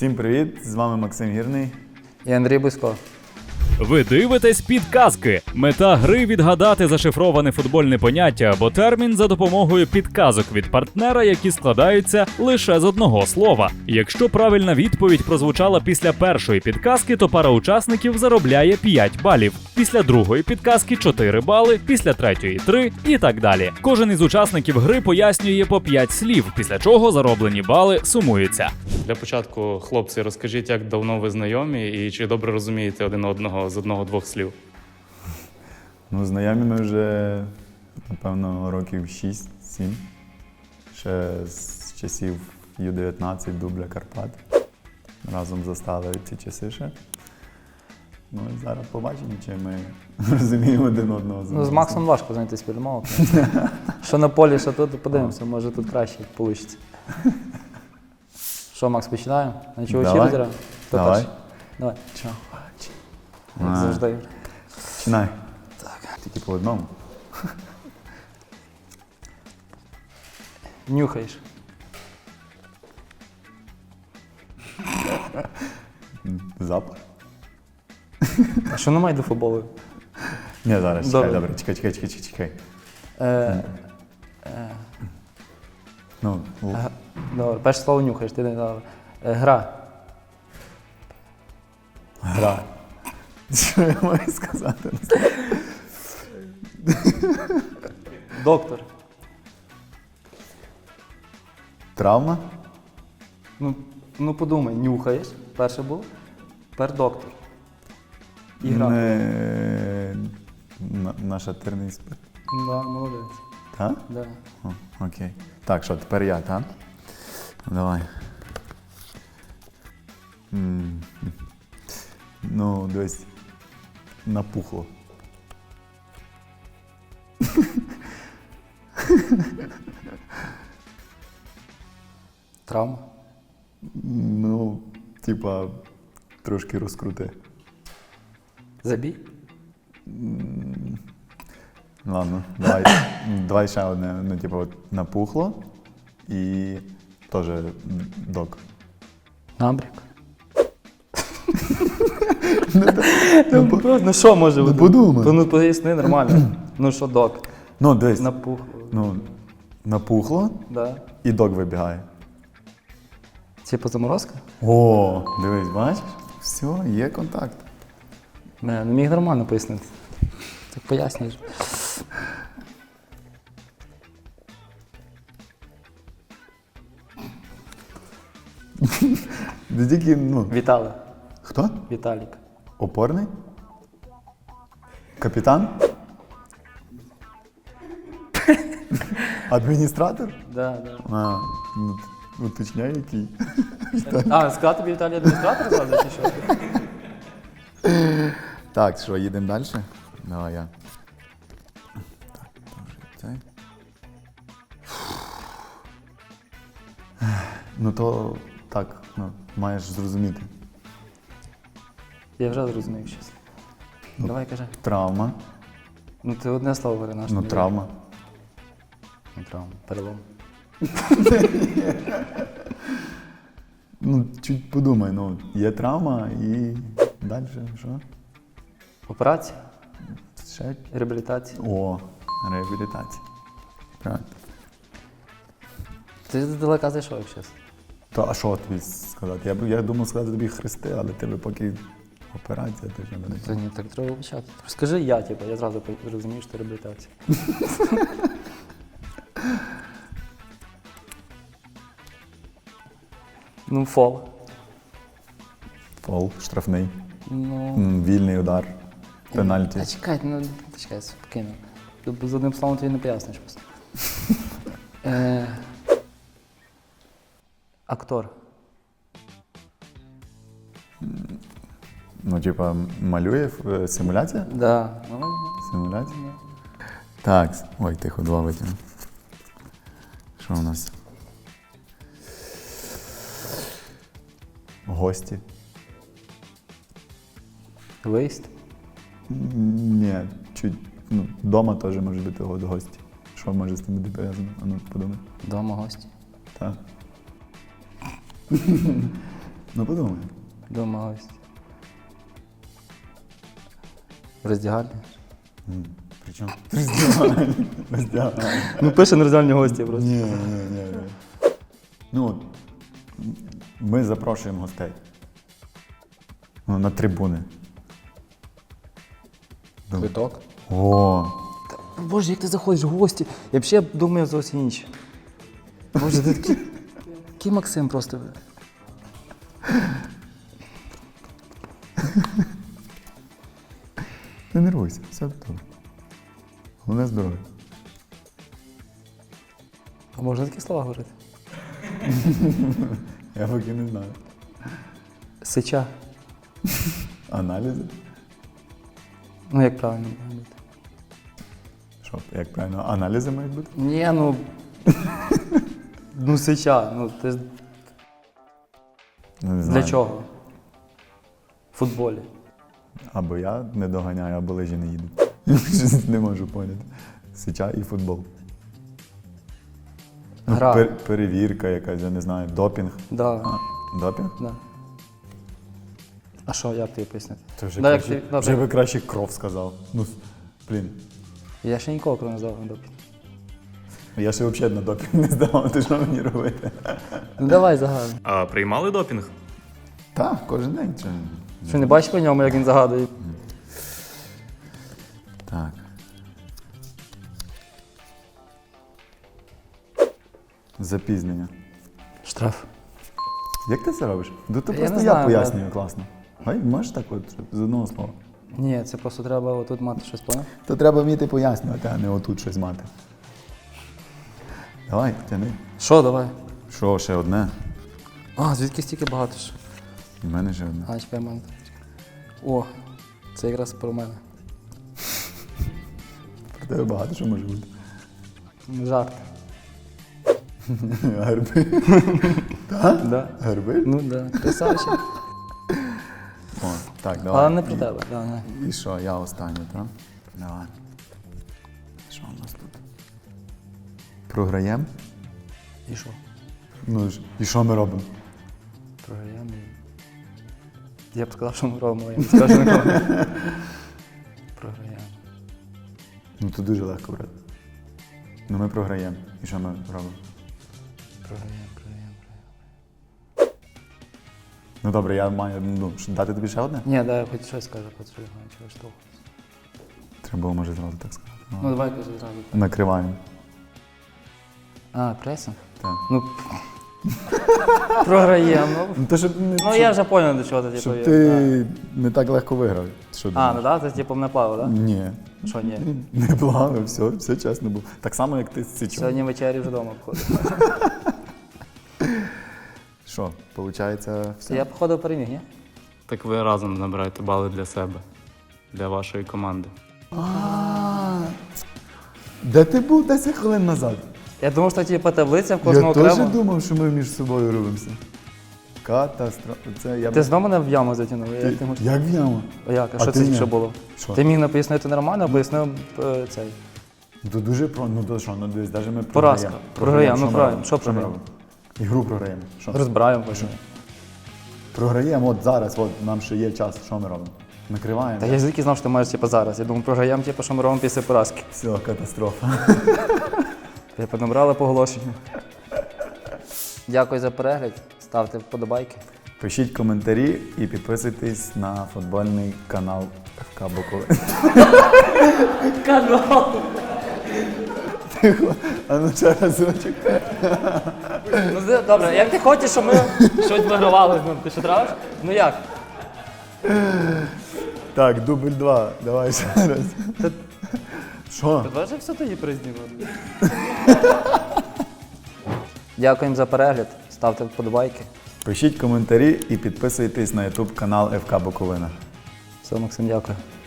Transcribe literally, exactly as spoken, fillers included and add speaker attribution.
Speaker 1: Всім привіт! З вами Максим Гірний.
Speaker 2: І Андрій Бусько.
Speaker 3: Ви дивитесь підказки. Мета гри – відгадати зашифроване футбольне поняття або термін за допомогою підказок від партнера, які складаються лише з одного слова. Якщо правильна відповідь прозвучала після першої підказки, то пара учасників заробляє п'ять балів. Після другої підказки – чотири бали, після третьої – три і так далі. Кожен із учасників гри пояснює по п'ять слів, після чого зароблені бали сумуються.
Speaker 4: Для початку, хлопці, розкажіть, як давно ви знайомі і чи добре розумієте один одного з одного-двох слів?
Speaker 1: Ну, знайомі ми вже, напевно, років шість-сім. Ще з часів Ю дев'ятнадцять, дубля Карпат. Разом застали ці часи ще. Ну і зараз побачимо, чи ми розуміємо один одного.
Speaker 2: Ну, з Максом важко знайти спільну мову. Що на полі, що тут, подивимося, може тут краще вийде. Що, Макс, починаємо? На чого
Speaker 1: Давай.
Speaker 2: чилдера? Хто
Speaker 1: Давай.
Speaker 2: перший? Давай. Чого? Як
Speaker 1: А.
Speaker 2: завжди.
Speaker 1: Починай. Так. Тільки по одному.
Speaker 2: Нюхаєш.
Speaker 1: Запах?
Speaker 2: А що немає до футболу?
Speaker 1: Ні, зараз, чекай,
Speaker 2: Добре.
Speaker 1: добре. Чекай, чекай, чекай, чекай, чекай.
Speaker 2: Е,
Speaker 1: Ну, л-
Speaker 2: г- Добре, перше слово нюхаєш, ти не добре. Е, Гра.
Speaker 1: гра. Що я маю сказати?
Speaker 2: Доктор.
Speaker 1: Травма?
Speaker 2: Ну, ну подумай, нюхаєш, перше було. Тепер доктор. І гра.
Speaker 1: Не... на- Нашатирний спирт.
Speaker 2: Да, молодець.
Speaker 1: Так?
Speaker 2: Да.
Speaker 1: О, окей. Так, що, тепер я, так? Ну, давай. М. Ну, десь напухло.
Speaker 2: Травма.
Speaker 1: Ну, типа, трошки розкрути.
Speaker 2: Забій.
Speaker 1: Ладно, давай, давай ще одне. Ну, типу, от напухло і теж док.
Speaker 2: Набряк. Ну, просто, ну що може
Speaker 1: Ну,
Speaker 2: бути?
Speaker 1: подумай.
Speaker 2: Ну, поясни нормально. Ну що, док?
Speaker 1: Ну, дивись,
Speaker 2: Напух.
Speaker 1: ну, напухло
Speaker 2: Да.
Speaker 1: і док вибігає.
Speaker 2: Типу заморозка?
Speaker 1: О, дивись, бачиш? Все, є контакт.
Speaker 2: Не, не міг нормально пояснити. Так пояснюєш.
Speaker 1: Ти тільки, ну,
Speaker 2: Вітали.
Speaker 1: хто?
Speaker 2: Віталік.
Speaker 1: Опорний? Капітан? Адміністратор?
Speaker 2: Да, да.
Speaker 1: А, ну, уточняй, який.
Speaker 2: А, сказати тобі Віталій адміністратор зразу чи що?
Speaker 1: Так, що, їдемо далі? Давай я. Так, вже цей. Ну то так, ну, маєш зрозуміти.
Speaker 2: Я вже зрозумів щось. Давай кажи.
Speaker 1: Травма.
Speaker 2: Ну ти одне слово говори наш.
Speaker 1: Ну, травма.
Speaker 2: Ну, травма. Перелом.
Speaker 1: Ну, чуть подумай, ну, є травма і далі що?
Speaker 2: Операція.
Speaker 1: Ще?
Speaker 2: Реабілітація.
Speaker 1: О, реабілітація. Правильно.
Speaker 2: Ти далека зайшов, як чесно.
Speaker 1: То, а що тобі сказати? Я, б- я думав сказати тобі хрести, але тебе поки операція, ти вже не
Speaker 2: Та ні, так треба почати. Скажи я, типу, я зразу зрозумію, що це реабілітація. Ну, фол.
Speaker 1: Фол, штрафний,
Speaker 2: Ну.
Speaker 1: м, вільний удар, пенальті.
Speaker 2: А чекай, ну чекай, спокійно. Тобто з одним словом тобі не поясниш просто. Е, Актор.
Speaker 1: Ну, типа, малює е, симуляція?
Speaker 2: Да. Ну,
Speaker 1: Симуляція? Так, с- ой, тихо, два витягну. Що у нас? Гості?
Speaker 2: виїзд.
Speaker 1: М, Ні, чуть, ну, дома теж може бути го- гості. Що може з тим бути пов'язано? А ну, подумай.
Speaker 2: Дома гості.
Speaker 1: Так. Ну подумай.
Speaker 2: Дома гості. В роздягальні?
Speaker 1: М, Причому роздягальня. Роздягальня.
Speaker 2: Ну пише на роздягальні гості просто.
Speaker 1: Ні, ні, ні. ні. Ну, от, ми запрошуємо гостей. Ну, на трибуни.
Speaker 2: Квиток?
Speaker 1: О,
Speaker 2: Боже, як ти заходиш в гості? Я взагалі думаю зовсім інше. Боже, ти такий, такий Максим просто.
Speaker 1: не нервуйся, все добре. Головне здоров'я.
Speaker 2: А можна такі слова говорити?
Speaker 1: Я поки не знаю.
Speaker 2: Сича.
Speaker 1: Аналізи?
Speaker 2: Ну як правильно має бути?
Speaker 1: Що, як правильно, аналізи мають бути?
Speaker 2: Ні, ну. Ну сича. Ну ти ж
Speaker 1: Ну, не
Speaker 2: для
Speaker 1: знаю.
Speaker 2: чого? В футболі.
Speaker 1: Або я не доганяю, або лижі не їдуть. Щось не можу поняти. Сича і футбол. Ну,
Speaker 2: Гра.
Speaker 1: пер- перевірка якась, я не знаю, допінг.
Speaker 2: Да.
Speaker 1: А, допінг?
Speaker 2: Да. А що, як тобі пояснити?
Speaker 1: Це вже,
Speaker 2: Да, як
Speaker 1: краще,
Speaker 2: ти- добре.
Speaker 1: вже би краще кров сказав. Ну, с- блін.
Speaker 2: Я ще ніколи коли не здавав на допінг.
Speaker 1: Я ще взагалі на допінг не здавав, ти що мені робити?
Speaker 2: Ну давай загадуй.
Speaker 4: А приймали допінг?
Speaker 1: Так, кожен день. Чи...
Speaker 2: Що не бачиш по ньому, як він загадує?
Speaker 1: Так. Запізнення.
Speaker 2: Штраф.
Speaker 1: Як ти це робиш? Ну, то
Speaker 2: Я
Speaker 1: просто
Speaker 2: не
Speaker 1: я
Speaker 2: знаю,
Speaker 1: пояснюю класно. Гай, можеш так от з одного слова?
Speaker 2: Ні, це просто треба отут мати щось, поняв?
Speaker 1: То треба вміти пояснювати, а не отут щось мати. Давай, тяни.
Speaker 2: Що, давай?
Speaker 1: Що, ще одне?
Speaker 2: А, звідки стільки багато ж?
Speaker 1: У мене ще одне.
Speaker 2: А, чекай, в мене. О, це якраз про мене.
Speaker 1: Про тебе багато що може бути.
Speaker 2: Жарт.
Speaker 1: Гарби.
Speaker 2: Да.
Speaker 1: Гарби?
Speaker 2: Ну да, красавчик.
Speaker 1: О, так, давай.
Speaker 2: Але не про тебе, да, не.
Speaker 1: І що, я останній, так? Давай. Що у нас тут? Програємо?
Speaker 2: І що?
Speaker 1: Ну ж, і що ми робимо?
Speaker 2: Програємо. Я б сказав, що ми робимо, але я не скажу нікому. Програємо.
Speaker 1: Ну тут дуже легко брати. Ну ми програємо. І що ми робимо?
Speaker 2: Програємо, програємо, програємо.
Speaker 1: Ну добре, я маю ну, що, дати тобі ще одне?
Speaker 2: Ні, дай я хоч щось скажу, хоч щось знаю, чого ж того.
Speaker 1: Треба було, може, зразу так сказати. Ну,
Speaker 2: Ну давай кажи зразу.
Speaker 1: Накриваємо.
Speaker 2: А, пресинг?
Speaker 1: Так.
Speaker 2: Ну, програємо.
Speaker 1: Ну, то, щоб, не,
Speaker 2: Ну я вже зрозумів, до чого ти типу.
Speaker 1: щоб
Speaker 2: є.
Speaker 1: ти не так легко виграв. Що
Speaker 2: А,
Speaker 1: думаєш?
Speaker 2: ну так, ти типу не плавав, так?
Speaker 1: Ні.
Speaker 2: Що ні?
Speaker 1: Не плавив, все, все чесно було. Так само, як ти з Сичом.
Speaker 2: Сьогодні вечері вже вдома входив.
Speaker 1: Що, виходить, все?
Speaker 2: Я походу переміг, ні?
Speaker 4: Так ви разом набираєте бали для себе, для вашої команди.
Speaker 1: А, де ти був десять хвилин назад?
Speaker 2: Я думав, що типу таблиця в
Speaker 1: Я
Speaker 2: кожного
Speaker 1: теж
Speaker 2: окремо.
Speaker 1: думав, що ми між собою робимося. Катастрофа. Це я
Speaker 2: Ти
Speaker 1: б-
Speaker 2: знову мене в яму затягнув.
Speaker 1: Ти-
Speaker 2: Як ти можеш?
Speaker 1: Як в яму?
Speaker 2: А як? А
Speaker 1: А
Speaker 2: що
Speaker 1: ти
Speaker 2: це
Speaker 1: ні.
Speaker 2: що було?
Speaker 1: Що?
Speaker 2: Ти міг не пояснити нормально, а пояснив е, цей.
Speaker 1: Ну, то дуже про. Ну то що, ну дивись, навіть ми
Speaker 2: Поразка.
Speaker 1: програємо.
Speaker 2: Програємо, ну
Speaker 1: ми
Speaker 2: правильно.
Speaker 1: робимо?
Speaker 2: Що
Speaker 1: ми
Speaker 2: програємо?
Speaker 1: робимо? Ігру програємо. Що?
Speaker 2: Розбираємо потім.
Speaker 1: Програємо, от зараз, от нам ще є час, що ми робимо? Накриваємо.
Speaker 2: Та я звідки знав, що ти маєш типу, зараз. Я думав, програємо, типу, що ми робимо після поразки.
Speaker 1: Все, катастрофа.
Speaker 2: Я понабрали по оголошенню. Дякую за перегляд. Ставте вподобайки.
Speaker 1: Пишіть коментарі і підписуйтесь на футбольний канал еф ка Буковина.
Speaker 2: Канал!
Speaker 1: А ну ще разочок.
Speaker 2: Ну де- добре, як ти хочеш, щоб ми щось вигравали з ним? Ти що травиш? Ну як?
Speaker 1: Так, дубль два. Давай ще раз. Що?
Speaker 2: Давай же все тоді признімати. Дякуємо за перегляд. Ставте вподобайки.
Speaker 1: Пишіть коментарі і підписуйтесь на ютуб канал еф ка Буковина.
Speaker 2: Все, Максим, дякую.